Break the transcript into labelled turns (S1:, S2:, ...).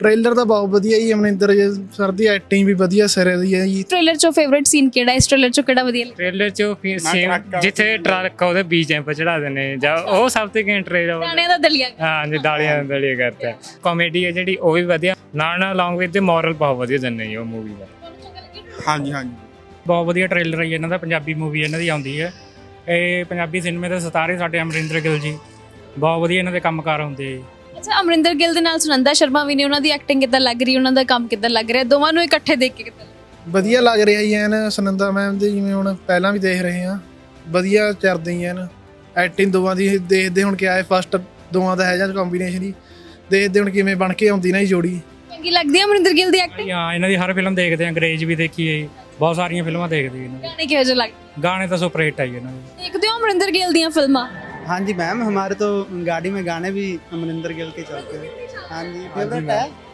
S1: Trailer ਤਾਂ ਬਹੁਤ ਵਧੀਆ ਜੀ, ਅਮਰਿੰਦਰ ਸਰ ਦੀ ਐਕਟਿੰਗ ਵੀ ਵਧੀਆ ਸਿਰੇ ਦੀ ਹੈ ਜੀ।
S2: ਟ੍ਰੇਲਰ ਚੋਂ ਫੇਵਰਿਟ ਸੀਨ ਕਿਹੜਾ, ਇਸ ਟ੍ਰੇਲਰ ਚੋਂ ਕਿਹੜਾ ਵਧੀਆ ਲੱਗਿਆ?
S3: ਟ੍ਰੇਲਰ 'ਚ ਸੇਮ ਜਿੱਥੇ ਟਰੱਕ ਉਹਦੇ ਬੀਜ ਐਂਪ ਚੜਾ ਦਿੰਦੇ ਜਾਂ ਉਹ ਸਭ ਤੋਂ ਘੈਂਟ ਟ੍ਰੇਲਰ।
S2: ਗਾਣਿਆਂ ਦਾ ਦਲੀਆ।
S3: ਹਾਂ ਜੀ, ਦਾਲੀਆਂ ਦਾ ਦਲੀਆ ਕਰਤਾ। ਕਾਮੇਡੀ ਹੈ ਜਿਹੜੀ ਉਹ ਵੀ ਵਧੀਆ, ਨਾਲ ਅਲੋਂਗ ਵਿਦ ਮੋਰਲ ਬਹੁਤ ਵਧੀਆ ਦਿੰਦੇ ਜੀ ਉਹ ਮੂਵੀ ਦਾ।
S4: ਹਾਂਜੀ ਹਾਂਜੀ
S5: ਬਹੁਤ ਵਧੀਆ ਟ੍ਰੇਲਰ ਹੈ ਜੀ ਇਹਨਾਂ ਦਾ। ਪੰਜਾਬੀ ਮੂਵੀ ਇਹਨਾਂ ਦੀ ਆਉਂਦੀ ਹੈ। ਇਹ ਪੰਜਾਬੀ ਸਿਨੇਮੇ ਦੇ ਸਿਤਾਰੇ ਸਾਡੇ ਅਮਰਿੰਦਰ ਗਿੱਲ ਜੀ, ਬਹੁਤ ਵਧੀਆ ਇਹਨਾਂ ਦੇ ਕੰਮਕਾਰ ਹੁੰਦੇ ਜੀ।
S2: ਅੱਛਾ, ਅਮਰਿੰਦਰ ਗਿੱਲ ਦੇ ਨਾਲ ਸੁਨੰਦਾ ਸ਼ਰਮਾ ਵੀ ਨੇ, ਉਹਨਾਂ ਦੀ ਐਕਟਿੰਗ ਕਿੱਦਾਂ ਲੱਗ ਰਹੀ, ਉਹਨਾਂ ਦਾ ਕੰਮ ਕਿੱਦਾਂ ਲੱਗ ਰਿਹਾ, ਦੋਵਾਂ ਨੂੰ ਇਕੱਠੇ ਦੇਖ ਕੇ ਕਿੱਦਾਂ ਲੱਗ
S1: ਵਧੀਆ ਲੱਗ ਰਿਹਾ ਜੀ ਐਨ। ਸੁਨੰਦਾ ਮੈਮ ਦੇ ਜਿਵੇਂ ਹੁਣ ਪਹਿਲਾਂ ਵੀ ਦੇਖ ਰਹੇ ਹਾਂ, ਵਧੀਆ ਚੱਲਦੇ ਹੀ ਐਨ। ਐਕਟਿੰਗ ਦੋਵਾਂ ਦੀ ਦੇਖਦੇ ਹੁਣ ਕਿਆ ਹੈ, ਫਸਟ ਦੋਵਾਂ ਦਾ ਹੈ ਜਾਂ ਕੰਬੀਨੇਸ਼ਨ ਹੀ ਦੇਖਦੇ ਹੁਣ ਕਿਵੇਂ ਬਣ ਕੇ ਆਉਂਦੀ ਨਾ ਜੀ ਜੋੜੀ।
S2: ਚੰਗੀ ਲੱਗਦੀ ਹੈ ਅਮਰਿੰਦਰ ਗਿੱਲ ਦੀ ਐਕਟਿੰਗ?
S5: ਹਾਂ, ਇਹਨਾਂ ਦੀ ਹਰ ਫਿਲਮ ਦੇਖਦੇ ਆ, ਅੰਗਰੇਜ਼ ਵੀ ਦੇਖੀ ਹੈ ਜੀ, ਬਹੁਤ ਸਾਰੀਆਂ ਫਿਲਮਾਂ ਦੇਖਦੇ ਇਹਨਾਂ ਦੀ।
S2: ਗਾਣੇ ਕਿਹੋ ਜਿਹੇ ਲੱਗਦੇ?
S5: ਗਾਣੇ ਤਾਂ ਸੁਪਰ ਹਿੱਟ ਆਈ ਇਹਨਾਂ ਦੇ।
S2: ਦੇਖਦੇ ਹੋ अमरिंदर गिल दी फिल्मां?
S6: हाँ जी मैम, हमारे तो गाड़ी में गाने भी अमरिंदर गिल के चलते हैं। हाँ जी, फेवरेट है।